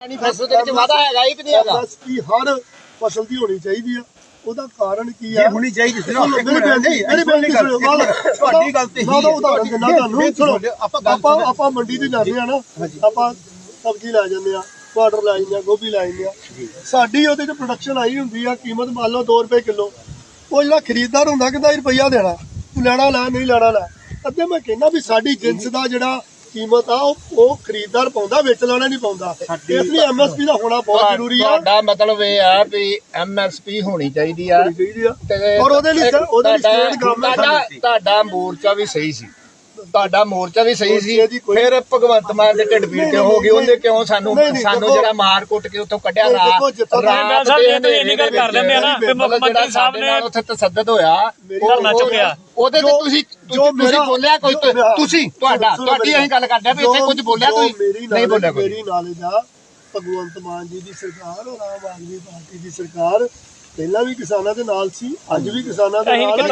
ਫਸਲ ਦੇ ਵਿੱਚ ਵਾਧਾ ਹੈਗਾ ਹੀ ਕਿ ਨਹੀਂ ਹੈਗਾ? ਐਮਐਸਪੀ ਹਰ ਫਸਲ ਦੀ ਹੋਣੀ ਚਾਹੀਦੀ ਆ। ਉਹਦਾ ਕਾਰਨ ਕੀ ਹੈ? ਹੋਣੀ ਚਾਹੀਦੀ ਸੀ ਨਾ। ਤੁਹਾਡੀ ਗੱਲ ਤੇ ਮੈਂ ਤਾਂ ਉਦਾਹਰਨ ਦਿੰਦਾ ਤੁਹਾਨੂੰ। ਸੁਣੋ, ਆਪਾਂ ਮੰਡੀ ਤੇ ਜਾਂਦੇ ਆ ਨਾ, ਆਪਾਂ ਸਬਜ਼ੀ ਲੈ ਜਾਂਦੇ ਆ, ਟਮਾਟਰ ਲੈ ਜਾਂਦੇ ਆ, ਗੋਭੀ ਲੈ ਜਾਂਦੇ ਆ। ਸਾਡੀ ਉਹਦੇ ਚ ਪ੍ਰੋਡਕਸ਼ਨ ਆਈ ਹੁੰਦੀ ਆ, ਕੀਮਤ ਮੰਨ ਲਓ 2 ਰੁਪਏ ਕਿਲੋ। ਉਹ ਜਿਹੜਾ ਖਰੀਦਦਾਰ ਹੁੰਦਾ ਕਹਿੰਦਾ ਰੁਪਈਆ ਦੇਣਾ, ਤੂੰ ਲੈਣਾ ਲੈ ਨਹੀਂ ਲੈਣਾ ਲੈ। ਅੱਗੇ ਮੈਂ ਕਹਿੰਦਾ ਵੀ ਸਾਡੀ ਜਿੰਸ ਦਾ ਜਿਹੜਾ ਕੀਮਤ ਆ ਉਹ ਖਰੀਦਦਾਰ ਪਾਉਂਦਾ, ਵਿੱਚ ਲਾਣਾ ਨਹੀਂ ਪਾਉਂਦਾ। ਇਸ ਲਈ ਐਮਐਸਪੀ ਦਾ ਹੋਣਾ ਬਹੁਤ ਜ਼ਰੂਰੀ ਆ। ਤੁਹਾਡਾ ਮਤਲਬ ਇਹ ਆ ਵੀ ਐਮਐਸਪੀ ਹੋਣੀ ਚਾਹੀਦੀ ਆ ਔਰ ਉਹਦੇ ਲਈ ਸਟੇਟ ਗਵਰਨਮੈਂਟ ਤੁਹਾਡਾ ਮੋਰਚਾ ਵੀ ਸਹੀ ਸੀ, ਤੁਹਾਡਾ ਮੋਰਚਾ ਵੀ ਸਹੀ ਸੀ। ਫਿਰ ਭਗਵੰਤ ਮਾਨ ਦੇ ਢਿੱਡ ਪੀੜ ਕਿਉਂ ਹੋ ਗਈ? ਉਹਨੇ ਕਿਉਂ ਸਾਨੂੰ ਜਿਹੜਾ ਮਾਰ ਕੁੱਟ ਕੇ ਉੱਥੋਂ ਕੱਢਿਆ? ਰਾਤ ਦੇ ਇੰਨੀ ਗੱਲ ਕਰ ਦਿੰਦੇ ਆ ਨਾ ਕਿ ਮੁੱਖ ਮੰਤਰੀ ਸਾਹਿਬ ਨੇ ਉੱਥੇ ਤਸੱਦਦ ਹੋਇਆ, ਧਰਨਾ ਚੁੱਕਿਆ, ਉਹਦੇ ਤੇ ਤੁਸੀਂ ਬੋਲਿਆ ਕੋਈ? ਤੁਸੀਂ ਤੁਹਾਡੀ ਅਸੀਂ ਗੱਲ ਕਰਦੇ ਆ ਵੀ ਇੱਥੇ ਕੁਝ ਬੋਲਿਆ ਤੁਸੀਂ? ਨਹੀਂ ਬੋਲਿਆ ਕੋਈ। ਮੇਰੀ ਨਾਲੇਜ ਆ ਭਗਵੰਤ ਮਾਨ ਜੀ ਦੀ ਸਰਕਾਰ ਔਰ ਆਮ ਆਦਮੀ ਪਾਰਟੀ ਦੀ ਸਰਕਾਰ ਪਹਿਲਾਂ ਵੀ ਕਿਸਾਨਾਂ ਦੇ ਨਾਲ ਸੀ, ਅੱਜ ਵੀ ਕਿਸਾਨਾਂ ਦੇ ਨਾਲ।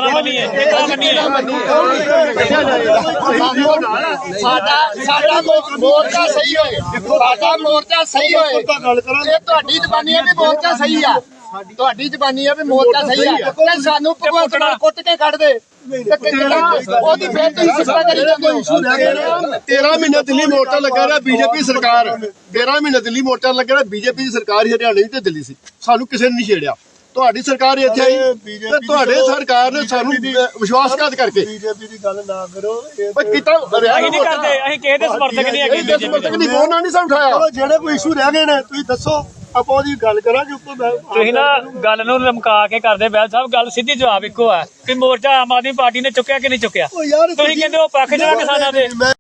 ਸਾਡਾ ਮੋਰਚਾ ਸਹੀ ਹੋਏ, ਸਾਡਾ ਮੋਰਚਾ ਸਹੀ ਹੋਏ। ਗੱਲ ਕਰਾਂਗੇ, ਇਹ ਤੁਹਾਡੀ ਜ਼ਬਾਨੀ ਹੈ ਵੀ ਮੋਰਚਾ ਸਹੀ ਆ, ਤੁਹਾਡੀ ਜ਼ਬਾਨੀ ਹੈ ਵੀ ਮੋਰਚਾ ਸਹੀ ਆ। ਤੇ ਸਾਨੂੰ ਭਗਵੰਤ ਮਾਨ ਕੁੱਟ ਕੇ ਕੱਢ ਦੇ, ਉਹਦੀ ਫਿਰ ਤੁਸੀਂ ਸਿਫਤਾਂ ਕਰੀ ਜਾਂਦੇ ਹੋ। 13 ਮਹੀਨੇ ਦਿੱਲੀ ਮੋਰਚਾ ਲੱਗਾ ਰਿਹਾ ਬੀਜੇਪੀ ਸਰਕਾਰ। 13 ਮਹੀਨੇ ਦਿੱਲੀ ਮੋਰਚਾ ਲੱਗਾ ਰਿਹਾ ਬੀਜੇਪੀ ਦੀ ਸਰਕਾਰ ਹੀ ਹਰਿਆਣੇ ਤੇ ਦਿੱਲੀ ਸੀ। ਸਾਨੂੰ ਕਿਸੇ ਨੇ ਨਹੀਂ ਛੇੜਿਆ। ਤੁਹਾਡੀ ਸਰਕਾਰ ਇੱਥੇ ਆਈ ਤੇ ਤੁਹਾਡੇ ਸਰਕਾਰ ਨੇ ਸਾਨੂੰ ਵਿਸ਼ਵਾਸਘਾਤ ਕਰਕੇ ਬੀਜੇਪੀ ਦੀ ਗੱਲ ਨਾ ਕਰੋ। ਕੀਤਾ ਅਸੀਂ ਨਹੀਂ ਕਰਦੇ, ਅਸੀਂ ਕਿਸੇ ਦੇ ਸਮਰਥਕ ਨਹੀਂ ਹੈਗੇ। ਸਮਰਥਕ ਨਹੀਂ, ਉਹਨਾਂ ਨਹੀਂ ਸਾਨੂੰ ਉਠਾਇਆ। ਜਿਹੜੇ ਕੋਈ ਇਸ਼ੂ ਰਹਿ ਗਏ ਨੇ ਤੁਸੀਂ ਦੱਸੋ, ਆਪਾਂ ਉਹਦੀ ਗੱਲ ਕਰਾਂਗੇ। ਉੱਪਰ ਤੁਸੀਂ ਨਾ ਗੱਲ ਨੂੰ ਲਮਕਾ ਕੇ ਕਰਦੇ ਬੈਲ ਸਾਹਿਬ, ਗੱਲ ਸਿੱਧੀ ਜਵਾਬ ਇੱਕੋ ਆ ਕਿ ਮੋਰਚਾ ਆਮ ਆਦਮੀ ਪਾਰਟੀ ਨੇ ਚੁੱਕਿਆ ਕਿ ਨਹੀਂ ਚੁੱਕਿਆ। ਤੁਸੀਂ ਕਹਿੰਦੇ ਉਹ ਪੱਖ ਜਾ ਕਿਸਾਨਾਂ ਦੇ।